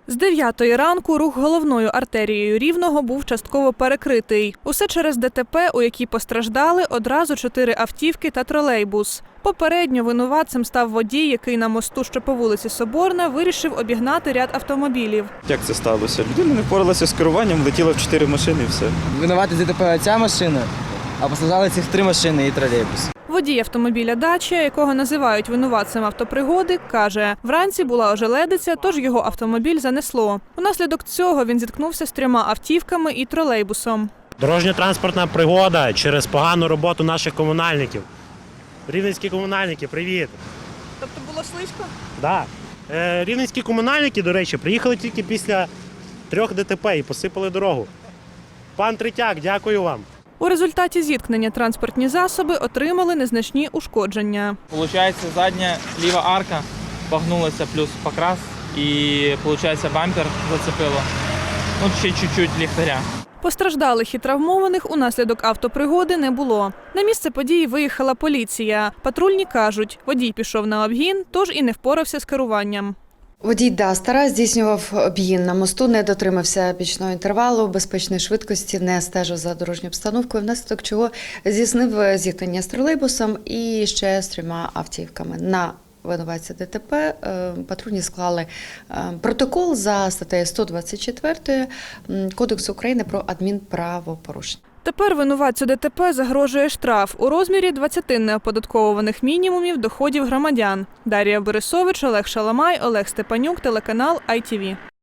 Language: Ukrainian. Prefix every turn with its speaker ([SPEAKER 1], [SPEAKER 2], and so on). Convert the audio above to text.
[SPEAKER 1] З 9-ї ранку рух головною артерією Рівного був частково перекритий. Усе через ДТП, у якій постраждали одразу 4 автівки та тролейбус. Попередньо винуватцем став водій, який на мосту, що по вулиці Соборна, вирішив обігнати ряд автомобілів.
[SPEAKER 2] Як це сталося? Людина не впоралася з керуванням, влетіла в 4 машини і все.
[SPEAKER 3] Винувати ДТП ця машина, а постраждали цих 3 машини і тролейбус.
[SPEAKER 1] Водій автомобіля «Дача», якого називають винуватцем автопригоди, каже, вранці була ожеледиця, тож його автомобіль занесло. Унаслідок цього він зіткнувся з 3 автівками і тролейбусом.
[SPEAKER 4] Дорожньо-транспортна пригода через погану роботу наших комунальників. Рівненські комунальники, привіт!
[SPEAKER 1] Тобто було слизько?
[SPEAKER 4] Так. Рівненські комунальники, до речі, приїхали тільки після 3 ДТП і посипали дорогу. Пан Третяк, дякую вам.
[SPEAKER 1] У результаті зіткнення транспортні засоби отримали незначні ушкодження.
[SPEAKER 5] Получається, задня ліва арка погнулася плюс покрас і, получається, бампер зацепило. Ну, ще чуть-чуть ліхтаря.
[SPEAKER 1] Постраждалих і травмованих унаслідок автопригоди не було. На місце події виїхала поліція. Патрульні кажуть, водій пішов на обгін, тож і не впорався з керуванням.
[SPEAKER 6] Водій Дастера здійснював обгін на мосту, не дотримався бічного інтервалу, безпечної швидкості, не стежив за дорожньою обстановкою, внаслідок чого здійснив зіткнення з тролейбусом і ще з 3 автівками. На винуватця ДТП патрульні склали протокол за статтею 124 Кодексу України про адмінправопорушення.
[SPEAKER 1] Тепер винуватцю ДТП загрожує штраф у розмірі 20 неоподатковуваних мінімумів доходів громадян. Дар'я Борисович, Олег Шаламай, Олег Степанюк, телеканал ITV.